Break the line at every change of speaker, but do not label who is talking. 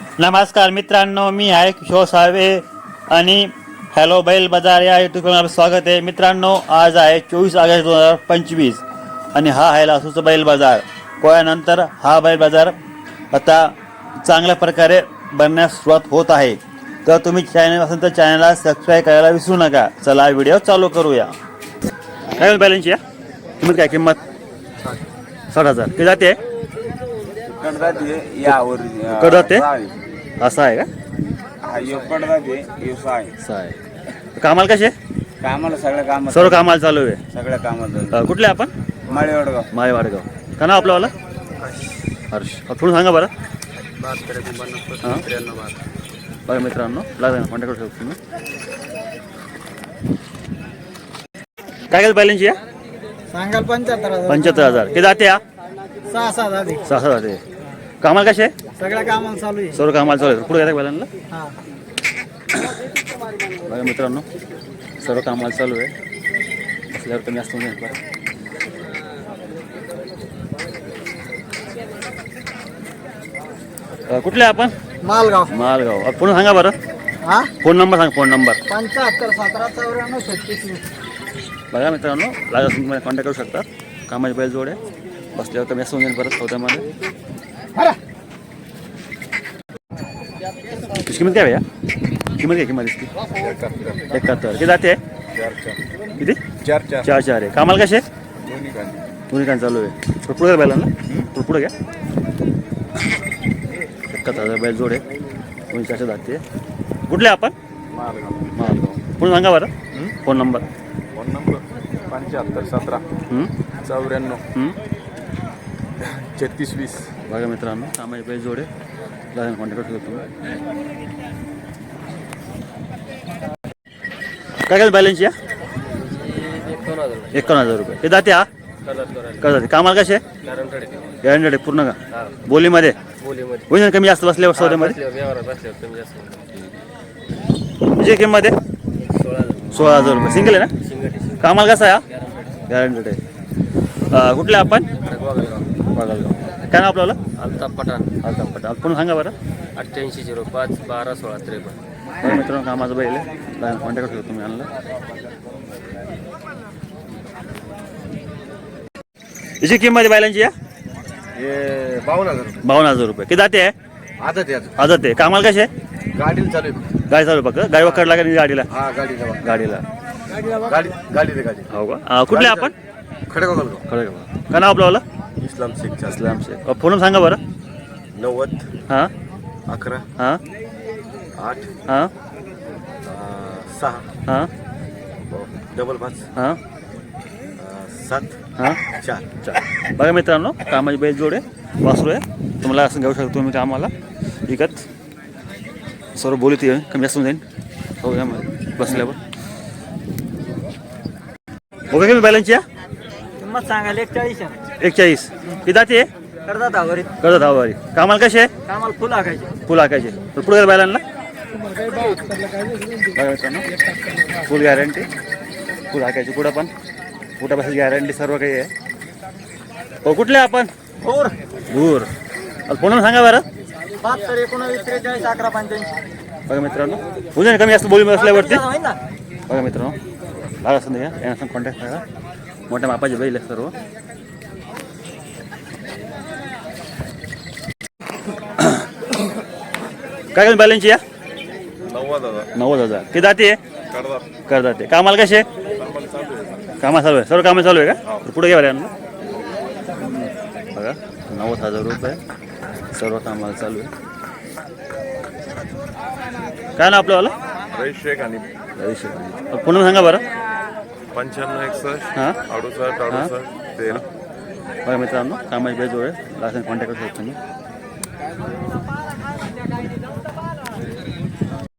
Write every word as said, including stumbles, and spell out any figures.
नमस्कार मित्रांनो, मी आहे किशोर साळवे आणि हॅलो बैल बाजार या यूट्यूब चॅनलवर स्वागत आहे. मित्रांनो, आज आहे चोवीस ऑगस्ट दोन हजार पंचवीस आणि हा आहे लासूरचा बैल बाजार. पोळ्यानंतर हा बैल बाजार आता चांगल्या प्रकारे बनण्यास सुरुवात होत आहे. तर तुम्ही चॅनल असेल तर चॅनलला सबस्क्राईब करायला विसरू नका. चला व्हिडिओ चालू करूया. काय बैलांची या किंमत काय किंमत साठ हजार किती जाते कडते असं आहे का? कामाला कसे
कामाला सगळ्या कामात
सर्व कामाला चालू आहे.
सगळ्या कामात
अ, कुठले आपण
माळे वडगाव
माळे वाडगाव का नाव आपलं वाला हर्ष थोडं सांगा बरं. हां बघा मित्रांनो, लागेल कॉन्टॅक्ट करू शकतो तुम्ही. काय काय बॅलन्स या
सांगाल पंच्याहत्तर हजार
पंच्याहत्तर हजार किती जाते या
सहा सहा झाले
सहा सहा जाते. कामाला कसे
सगळ्या कामाला चालू आहे.
सर्व कामाला चालू आहे. पुढे येतात बॅलन्सला
हा
बघा मित्रांनो, सर्व कामाला चालू आहे. असल्यावर कमी असतो नाही. कुठले आपण
मालगाव
मालगाव. पुन्हा सांगा बरं
हा
फोन नंबर सांग फोन नंबर.
पंच्याहत्तर सतरा चौऱ्याण्णव छत्तीस
बघा मित्रांनो, लागत तुम्ही मला कॉन्टॅक्ट करू शकता. कामाची बैल जोड आहे. बसल्यावर कमी असतो जाईल परत चौथ्यामध्ये. इसकी किंमत काय भैया किंमत काय किंमत इसकी एकाहत्तर किती जाते किती
चार चार
चार चार आहे. कामाला कसे दोन्ही कान चालू आहे. थोडं पुढे बैला ना पुढे घ्या. एकाहत्तर हजार बैल जोड आहे. दोन्ही चारशे जाते. कुठले आपण मालगाव. पुढे सांगा बरं फोन नंबर.
फोन नंबर पंच्याहत्तर सतरा चौऱ्याण्णव छत्तीस वीस.
बघा मित्रांनो, कामाची बैल जोड आहे. लागेल कॉन्टॅक्ट करू शकतो तुम्ही. काय काय बॅलन्स या एकावन्न हजार रुपये. हे जाते हा का जाते. कामाला कसे गॅरंटेड पूर्ण का बोलीमध्ये होईल ना कमी जास्त बसल्यावर सौद्यामध्ये म्हणजे किंमत आहे सोळा हजार रुपये सिंगल आहे ना. कामाला कसा आहे हा गॅरंटेड आहे. कुठले आपण बागलगाव. काय नाव आपल्याला
अल्ताफ पठाण
अल्ताफ पठाण. पुन्हा सांगा बरं.
अठ्ठ्याऐंशी झिरो पाच बारा सोळा त्रेपन्न.
बरं मित्रांनो, कामाचं बैल आहे. कॉन्टॅक्ट करू तुम्ही आणलं. याची किंमत आहे बैलांची या
हे बावन्न हजार रुपये.
बावन्न हजार रुपये. किती जाते आहे
आदत आहे
आदत आहे. कामाला कसे
गाडीला चालू आहे.
गाडी चालू फक्त गाडी वक्कड लागेल गाडीला
हा गाडीला
गाडीला
गाडी गाडी दे गाडी
हो का. कुठले आपण
खडगाव
खरं का नाव आपलं
इस्लाम शेख
इस्लाम शेख. फोन सांगा बरं.
नव्वद
हां
अकरा
हां
आठ
हां
सहा
हां
डबल पाच
हां
सात
हां
चार
चार. बघा मित्रांनो, कामाची बैल जोड आहे. वासरू आहे. तुम्हाला असं घेऊ शकतो तुम्ही कामाला विकत. सर्व बोलीत आहे कमी जास्त जाईल हो यामध्ये बसल्यावर. ओके कमी बॅलन्सची या
किंमत सांगायला एकचाळीस
एकचाळीस. किती जाते
करतात आवरी
करत हवारी. कामाला कसे
कामाला फुल आखायचे.
फुल हाकायचे. तर पुढे बैलांना बघा मित्रांनो, फुल गॅरंटी फुल हाकायची. पुढं पण कुठं बसायची गॅरंटी सर्व काही आहे. हो कुठले आपण
फोर
दूर. फोन सांगा बरं.
बहात्तर एकोणावीस त्रेचाळीस अकरा पंच्याऐंशी.
बघा मित्रांनो, उद्या कमी जास्त बोली बसल्यावरती.
होईल ना.
बघा मित्रांनो, लागा असं नाही यांना सांग कॉन्टॅक्ट करा. मोठ्या मापाचे बैल आहे सर्व. काय काय बॅलन्सची या
नव्वद हजार
नव्वद हजार. किती जाते
करतात
कर जाते. कामाला कसे कामा चालू आहे सर्व कामं चालू आहे का. पुढे घ्या यांना बघा. नव्वद हजार रुपये सर्व कामाला चालू आहे. काय ना आपल्यावाला
रईस शेख आणि
पुन्हा सांगा बरं.
पंच्याण्णव एकसष्ट
हां
अडुसष्ट अडुसष्ट तेरा.
बघा मित्रांनो, कामाची बेजोड आहे. लास्ट कॉन्टॅक्ट करू शकतो तुम्ही.